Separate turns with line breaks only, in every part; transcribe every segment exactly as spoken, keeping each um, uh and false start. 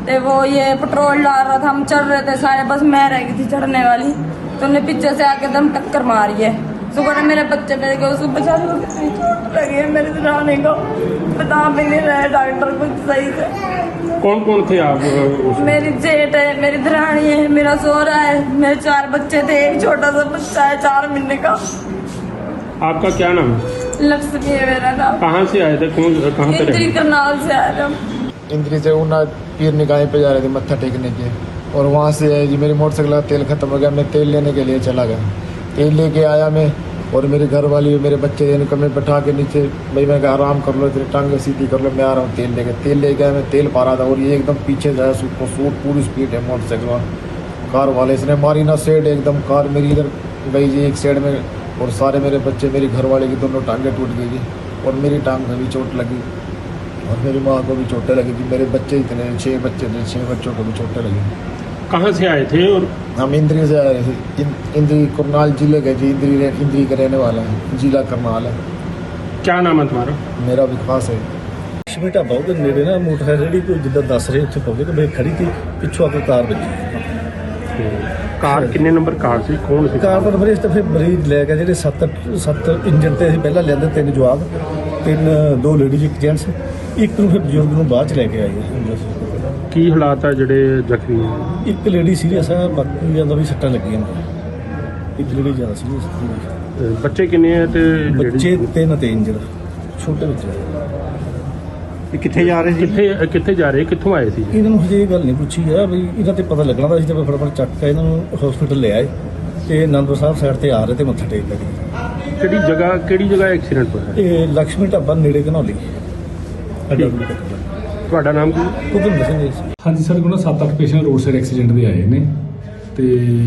तो वो ये पेट्रोल डाल रहा था, हम चढ़ रहे थे सारे, बस मैं रह गई थी चढ़ने वाली, तो उन्हें पीछे से आके दम टक्कर मारी है। सुबह मेरे बच्चे मेरे को उसको बचा लो, कितनी चोट लगी है मेरे दराने को, बता भी नहीं रहे डॉक्टर कुछ सही से।
कौन कौन थे आप उस...
मेरी जेठ है, मेरी दरानी है, मेरा सोहरा है, मेरे चार बच्चे थे, एक छोटा सा बच्चा है चार महीने का।
आपका क्या नाम है?
लक्ष्मी है मेरा नाम।
कहाँ से आए थे? कौन कहाँ से
इंद्री करनाल से आए थे हम।
इंद्री से उना पीर निकाय पे जा रहे थे मत्था टेकने के, और वहाँ से जी मेरी मोटरसाइकिल का तेल खत्म हो गया, मैं तेल लेने के लिए चला गया। तेल लेके आया मैं, और मेरी घर वाली मेरे बच्चे इनको मैं बैठा के नीचे, भाई मैं कहा आराम कर लो, तेरी टांगे सीधी कर लो, मैं आ रहा हूँ तेल लेके। तेल लेके आया, मैं तेल पा रहा था, और ये एकदम पीछे जाए सूट सूट पूरी स्पीड है मोटरसाइकिल कार वाले, इसने मारी ना सेड, एकदम कार मेरी इधर गई जी एक साइड में, और सारे मेरे बच्चे मेरी घर वाले की दोनों टांगे टूट गई जी, और मेरी टांग में भी चोट लगी, और मेरी माँ को भी चोटें लगी थी। मेरे बच्चे इतने छः बच्चे थे, छः बच्चों को भी चोटें लगी।
कहाँ से आए थे? और
हम इंद्री से आए थे, इंद्री करनाल जिले के जी, इंद्री इंद्री का रहने वाला है, जिला करनाल है।
क्या नाम है तुम्हारा?
मेरा विकास है।
लक्ष्मी ढाबा ਉਹਦੇ ਨੇੜੇ ਨਾ ਮੋਟਰਸਾਈਕਲ ਜਿਹੜੀ ਕੋਈ ਜਿੱਦਾਂ ਦੱਸ ਰਹੇ ਉੱਥੇ ਪਬਲਿਕ ਮੈਂ ਖੜੀ ਸੀ, ਪਿੱਛੋਂ ਆ ਕੇ ਕਾਰ ਵੱਜੀ।
ਕਾਰ ਕਿੰਨੇ ਨੰਬਰ ਕਾਰ ਸੀ? ਕੌਣ ਸੀ?
ਕਾਰ ਦਾ ਨੰਬਰ ਇਸ ਤਾਂ ਫਿਰ ਮਰੀਜ਼ ਲੈ ਗਿਆ, ਜਿਹੜੇ ਸੱਤ ਸੱਤ ਇੰਜਨ ਤੇ ਅਸੀਂ ਪਹਿਲਾਂ ਲੈਂਦੇ, ਤਿੰਨ ਜਵਾਕ, ਤਿੰਨ ਦੋ ਲੇਡੀਜ਼ ਇੱਕ ਜੈਂਟਸ, ਇੱਕ ਨੂੰ ਫਿਰ ਬਜ਼ੁਰਗ ਨੂੰ ਬਾਅਦ ਚ ਲੈ ਕੇ ਆਏ ਆ।
ਕੀ ਹਾਲਾਤ ਆ ਜਿਹੜੇ ਜ਼ਖਮੀ ਹੈ?
ਇੱਕ ਲੇਡੀ ਸੀਰੀਅਸ ਆ, ਬਾਕੀ ਜਾਂਦਾ ਵੀ ਸੱਟਾਂ ਲੱਗੀਆਂ ਨੇ, ਇੱਕ ਲੇਡੀ ਜ਼ਿਆਦਾ ਸੀਰੀਅਸ।
ਬੱਚੇ ਕਿੰਨੇ ਆ ਤੇ
ਬੱਚੇ ਤਿੰਨ ਤੇ ਇੰਜਰ ਛੋਟੇ ਬੱਚੇ।
ਇਹ ਕਿੱਥੇ ਜਾ ਰਹੇ ਸੀ? ਕਿੱਥੇ ਕਿੱਥੇ ਜਾ ਰਹੇ, ਕਿੱਥੋਂ ਆਏ ਸੀ?
ਇਹਨਾਂ ਨੂੰ ਹਜੇ ਇਹ ਗੱਲ ਨਹੀਂ ਪੁੱਛੀ ਆ ਵੀ ਇਹਨਾਂ ਤੇ ਪਤਾ ਲੱਗਣਾ ਤਾਂ ਅਸੀਂ ਤਾਂ ਫਟਾਫਟ ਚੱਕ ਕੇ ਇਹਨਾਂ ਨੂੰ ਹਸਪੀਟਲ ਲੈ ਆਏ, ਤੇ ਅਨੰਦਪੁਰ ਸਾਹਿਬ ਸਾਈਡ ਤੇ ਆ ਰਹੇ ਤੇ ਮੱਥਾ ਟੇਕ ਲੱਗੇ।
ਕਿਹੜੀ ਜਗ੍ਹਾ ਕਿਹੜੀ ਜਗ੍ਹਾ ਐਕਸੀਡੈਂਟ ਹੋਇਆ?
ਇਹ ਲక్ష్ਮੀ ਢਾਬਾ ਨੇੜੇ ਘਨੌਲੀ।
ਤੁਹਾਡਾ ਨਾਮ ਕੀ?
ਕੁਲਵਿੰਦਰ ਸਿੰਘ ਜੀ।
ਹਾਂਜੀ ਸਰ, ਕੋਲ ਸੱਤ ਅੱਠ ਪੇਸ਼ੈਂਟ ਰੋਡ ਸਾਈਡ ਐਕਸੀਡੈਂਟ ਦੇ ਆਏ ਨੇ, ਤੇ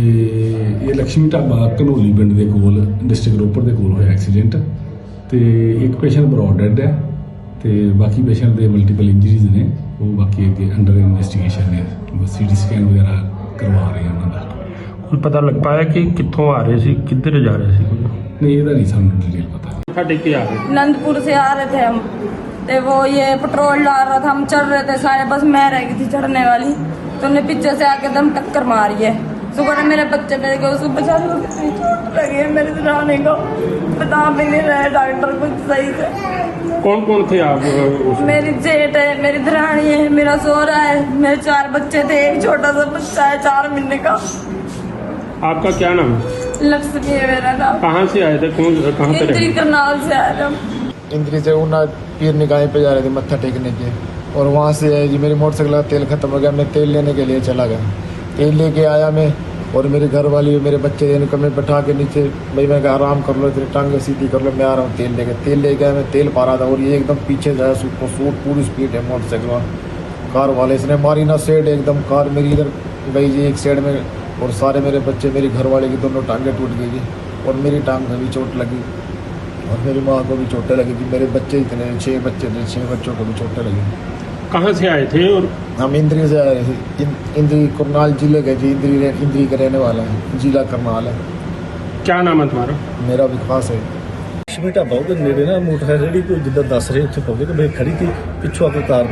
ਇਹ ਲక్ష్ਮੀ ਢਾਬਾ ਘਨੌਲੀ ਪਿੰਡ ਦੇ ਕੋਲ ਡਿਸਟ੍ਰਿਕਟ ਰੋਪੜ ਦੇ ਕੋਲ ਹੋਇਆ ਐਕਸੀਡੈਂਟ, ਤੇ ਇੱਕ ਪੇਸ਼ੈਂਟ ਬਰੋਡ ਡੈਡ ਹੈ, ਤੇ ਬਾਕੀ ਪੇਸ਼ੈਂਟ ਦੇ ਮਲਟੀਪਲ ਇੰਜਰੀਜ਼ ਨੇ, ਉਹ ਬਾਕੀ ਅੱਗੇ ਅੰਡਰ ਇਨਵੈਸਟੀਗੇਸ਼ਨ ਨੇ, ਸੀਟੀ ਸਕੈਨ ਵਗੈਰਾ ਕਰਵਾ ਰਹੇ ਹਾਂ ਉਹਨਾਂ ਦਾ।
ਕੋਈ ਪਤਾ ਲੱਗ ਪਾਇਆ ਕਿ ਕਿੱਥੋਂ ਆ ਰਹੇ ਸੀ, ਕਿੱਧਰ ਜਾ ਰਹੇ ਸੀ?
ਨਹੀਂ, ਇਹਦਾ ਨਹੀਂ ਸਾਨੂੰ ਡਿਟੇਲ ਪਤਾ।
ਸਾਡੇ ਕੀ आ रहे?
आनंदपुर से आ रहे थे हम, तो वो ये पेट्रोल डाल रहा था, हम चढ़ रहे थे सारे, बस मैं रह गई थी चढ़ने वाली, तो उन्हें पीछे से आके दम टक्कर मारी है। सुबह मेरे बच्चे मेरे को उसको बचा लो, कितनी चोट लगी है मेरे दराने को, बता भी नहीं रहे डॉक्टर कुछ सही से।
कौन कौन थे आप उस...
मेरी जेठ है, मेरी दरानी है, मेरा सोहरा है, मेरे चार बच्चे थे, एक छोटा सा बच्चा है चार महीने का।
आपका क्या नाम है?
लक्ष्मी है मेरा नाम।
कहाँ से आए थे? कौन कहाँ से?
इंद्री करनाल से आए थे हम।
इंद्री से उना पीर निकाय पे जा रहे थे मत्था टेकने के, और वहाँ से जी मेरी मोटरसाइकिल का तेल खत्म हो गया, मैं तेल लेने के लिए चला गया। तेल लेके आया मैं, और मेरी घर वाली मेरे बच्चे इनको मैं बैठा के नीचे, भाई मैं कहा आराम कर लो, तेरी टांगे सीधी कर लो, मैं आ रहा हूँ तेल लेके। तेल लेके आया, मैं तेल पा रहा था, और ये एकदम पीछे जाए सूट सूट पूरी स्पीड है मोटरसाइकिल कार वाले, इसने मारी ना सेड, एकदम कार मेरी इधर गई जी एक साइड में, और सारे मेरे बच्चे मेरी घर वाले की दोनों टांगे टूट गई जी, और मेरी टांग में भी चोट लगी, और मेरी माँ को भी चोटें लगी थी। मेरे बच्चे इतने छः बच्चे थे, छः बच्चों को भी चोटें लगी।
कहाँ से आए थे? और
हम इंद्री से आए थे, इंद्री करनाल जिले के जी, इंद्री इंद्री का रहने वाला है, जिला करनाल है।
क्या नाम है तुम्हारा?
मेरा विकास है।
ਲక్ష్ਮੀ ਢਾਬਾ ਉਹਦੇ ਨੇੜੇ ਨਾ ਮੋਟਰਸਾਈਕਲ ਜਿਹੜੀ ਕੋਈ ਜਿੱਦਾਂ ਦੱਸ ਰਹੇ ਉੱਥੇ ਪਬਲਿਕ ਮੈਂ ਖੜੀ ਸੀ, ਪਿੱਛੋਂ ਆ ਕੇ ਕਾਰ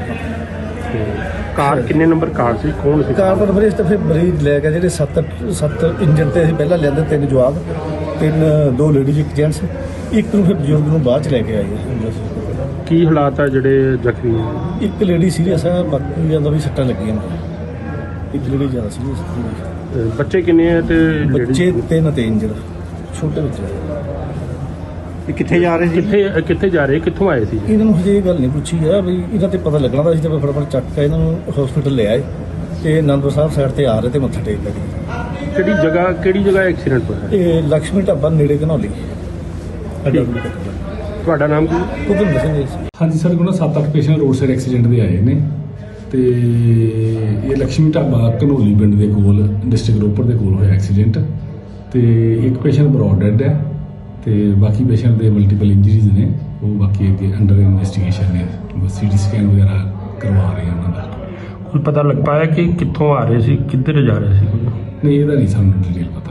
ਵੱਜੀ।
ਕਾਰ ਕਿੰਨੇ ਨੰਬਰ ਕਾਰ ਸੀ? ਕੌਣ ਸੀ?
ਕਾਰ ਦਾ ਨੰਬਰ ਇਸ ਤਾਂ ਫਿਰ ਮਰੀਜ਼ ਲੈ ਗਿਆ, ਜਿਹੜੇ ਸੱਤ ਸੱਤ ਇੰਜਨ ਤੇ ਅਸੀਂ ਪਹਿਲਾਂ ਲੈਂਦੇ, ਤਿੰਨ ਜਵਾਕ, ਤਿੰਨ ਦੋ ਲੇਡੀਜ਼ ਇੱਕ ਜੈਂਟਸ, ਇੱਕ ਨੂੰ ਫਿਰ ਬਜ਼ੁਰਗ ਨੂੰ ਬਾਅਦ ਚ ਲੈ ਕੇ ਆਏ ਆ।
ਕੀ ਹਾਲਾਤ ਆ ਜਿਹੜੇ ਜ਼ਖਮੀ ਹੈ?
ਇੱਕ ਲੇਡੀ ਸੀਰੀਅਸ ਆ, ਬਾਕੀ ਜਾਂਦਾ ਵੀ ਸੱਟਾਂ ਲੱਗੀਆਂ ਨੇ, ਇੱਕ ਲੇਡੀ ਜ਼ਿਆਦਾ ਸੀਰੀਅਸ।
ਬੱਚੇ ਕਿੰਨੇ ਆ ਤੇ
ਬੱਚੇ ਤਿੰਨ ਤੇ ਇੰਜਰ ਛੋਟੇ ਬੱਚੇ।
ਇਹ ਕਿੱਥੇ ਜਾ ਰਹੇ ਸੀ? ਕਿੱਥੇ ਕਿੱਥੇ ਜਾ ਰਹੇ, ਕਿੱਥੋਂ ਆਏ ਸੀ?
ਇਹਨਾਂ ਨੂੰ ਹਜੇ ਇਹ ਗੱਲ ਨਹੀਂ ਪੁੱਛੀ ਆ ਵੀ ਇਹਨਾਂ ਤੇ ਪਤਾ ਲੱਗਣਾ ਤਾਂ ਅਸੀਂ ਤਾਂ ਫਟਾਫਟ ਚੱਕ ਕੇ ਇਹਨਾਂ ਨੂੰ ਹਸਪੀਟਲ ਲੈ ਆਏ, ਤੇ ਅਨੰਦਪੁਰ ਸਾਹਿਬ ਸਾਈਡ ਤੇ ਆ ਰਹੇ ਤੇ ਮੱਥਾ ਟੇਕ ਲੱਗੇ।
ਕਿਹੜੀ ਜਗ੍ਹਾ ਕਿਹੜੀ ਜਗ੍ਹਾ ਐਕਸੀਡੈਂਟ ਹੋਇਆ?
ਇਹ ਲక్ష్ਮੀ ਢਾਬਾ ਨੇੜੇ ਘਨੌਲੀ।
ਤੁਹਾਡਾ ਨਾਮ ਕੀ?
ਕੁਲਵਿੰਦਰ ਸਿੰਘ ਜੀ।
ਹਾਂਜੀ ਸਰ, ਕੋਲ ਸੱਤ ਅੱਠ ਪੇਸ਼ੈਂਟ ਰੋਡ ਸਾਈਡ ਐਕਸੀਡੈਂਟ ਦੇ ਆਏ ਨੇ, ਤੇ ਇਹ ਲక్ష్ਮੀ ਢਾਬਾ ਘਨੌਲੀ ਪਿੰਡ ਦੇ ਕੋਲ ਡਿਸਟ੍ਰਿਕਟ ਰੋਪੜ ਦੇ ਕੋਲ ਹੋਇਆ ਐਕਸੀਡੈਂਟ, ਤੇ ਇੱਕ ਪੇਸ਼ੈਂਟ ਬਰੋਡ ਡੈਡ ਹੈ, ਤੇ ਬਾਕੀ ਪੇਸ਼ੈਂਟ ਦੇ ਮਲਟੀਪਲ ਇੰਜਰੀਜ਼ ਨੇ, ਉਹ ਬਾਕੀ ਅੱਗੇ ਅੰਡਰ ਇਨਵੈਸਟੀਗੇਸ਼ਨ ਨੇ, ਸੀਟੀ ਸਕੈਨ ਵਗੈਰਾ ਕਰਵਾ ਰਹੇ ਹਾਂ ਉਹਨਾਂ ਦਾ। ਕੋਈ ਪਤਾ ਲੱਗ ਪਾਇਆ ਕਿ ਕਿੱਥੋਂ ਆ ਰਹੇ ਸੀ, ਕਿੱਧਰ ਜਾ ਰਹੇ ਸੀ? ਨਹੀਂ, ਇਹਦਾ ਨਹੀਂ ਸਾਨੂੰ ਡਿਟੇਲ ਪਤਾ।